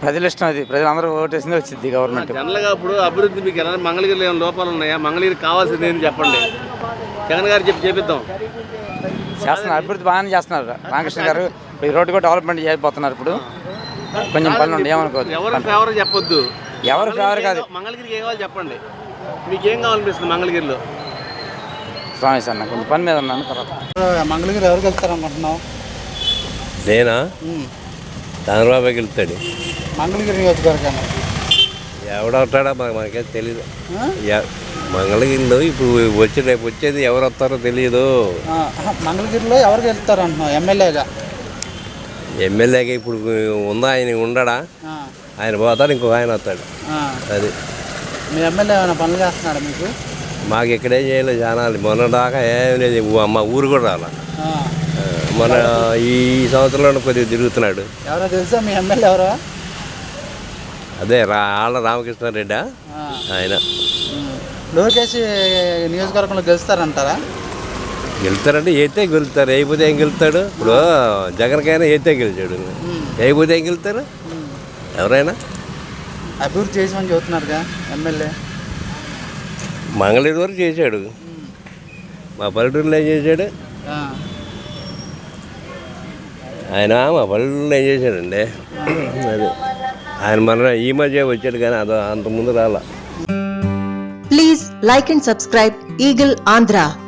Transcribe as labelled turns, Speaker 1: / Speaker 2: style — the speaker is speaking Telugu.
Speaker 1: ప్రజల ఇష్టం, అది ప్రజలందరూ ఓటేసింది వచ్చింది గవర్నమెంట్.
Speaker 2: జనరల్గా ఇప్పుడు అభివృద్ధి మీకు ఎలా మంగళగిరిలో ఏమైనా లోపాలు ఉన్నాయా? మంగళగిరికి కావాల్సింది ఏంటి చెప్పండి, జగన్ గారు చేపిద్దాం.
Speaker 1: చేస్తున్నారు, అభివృద్ధి బాగానే చేస్తున్నారు. రామకృష్ణ గారు ఈ రోడ్డు కూడా డెవలప్మెంట్ చేయబోతున్నారు. ఇప్పుడు కొంచెం పనులు ఉండి ఏమనుకోవద్దు.
Speaker 2: ఎవరు ఫేవర్ చెప్పొద్దు,
Speaker 1: ఎవరు ఫేవర్ కాదు.
Speaker 2: మంగళగిరికి ఏం కావాలి చెప్పండి, మీకు ఏం కావాలనిపిస్తుంది మంగళగిరిలో?
Speaker 1: స్వామి సార్ నాకు కొంచెం పని మీద ఉన్నాను. తర్వాత
Speaker 3: మంగళగిరి ఎవరికి వెళ్తారనుకుంటున్నావు?
Speaker 4: నేనా చంద్రబాబుకి వెళ్తాడు.
Speaker 3: మంగళగిరి నియోజకవర్గాన్ని
Speaker 4: ఎవడవుతాడా మనకేం తెలీదు. మంగళగిరిలో ఇప్పుడు రేపు వచ్చేది ఎవరు వస్తారో తెలియదు.
Speaker 3: మంగళగిరిలో ఎవరికి వెళ్తారు అంటున్నావు ఎమ్మెల్యేగా?
Speaker 4: ఎమ్మెల్యేగా ఇప్పుడు ఉందా, ఆయన ఉండడా? ఆయన పోతాడు, ఇంకొక ఆయన వస్తాడు. అది
Speaker 3: మీ ఎమ్మెల్యే ఏమైనా పనులు చేస్తున్నాడు మీకు?
Speaker 4: మాకు ఇక్కడేం చేయలేదు జనాలు, మొన్న దాకా ఏం లేదు. అమ్మ ఊరు కూడా రాలా. మన ఈ సంవత్సరంలో కొద్దిగా తిరుగుతున్నాడు.
Speaker 3: ఎవరో తెలుసా మీ ఎమ్మెల్యే ఎవరో?
Speaker 4: అదే ఆళ్ళ రామకృష్ణారెడ్డి ఆయన.
Speaker 3: లోకేష్ నియోజకవర్గంలో గెలుస్తారంటారా?
Speaker 4: గెలుతారంటే అయితే గెలుతారు, అయిపోతే ఏం గెలుతాడు? ఇప్పుడు జగన్కైనా అయితే గెలిచాడు, అయిపోతే ఏం గెలుతారు ఎవరైనా?
Speaker 3: అభివృద్ధి చేసామని చెబుతున్నారుగా ఎమ్మెల్యే.
Speaker 4: మంగళగిరి వరకు చేశాడు, మా పల్లెటూరులో ఏం చేశాడు ఆయన? మా పల్లెటూరులో ఏం చేశాడండి? అది ఆయన మన ఈ మధ్య వచ్చాడు కానీ అంత ముందు రాలా.
Speaker 5: Please like and subscribe Eagle Andhra.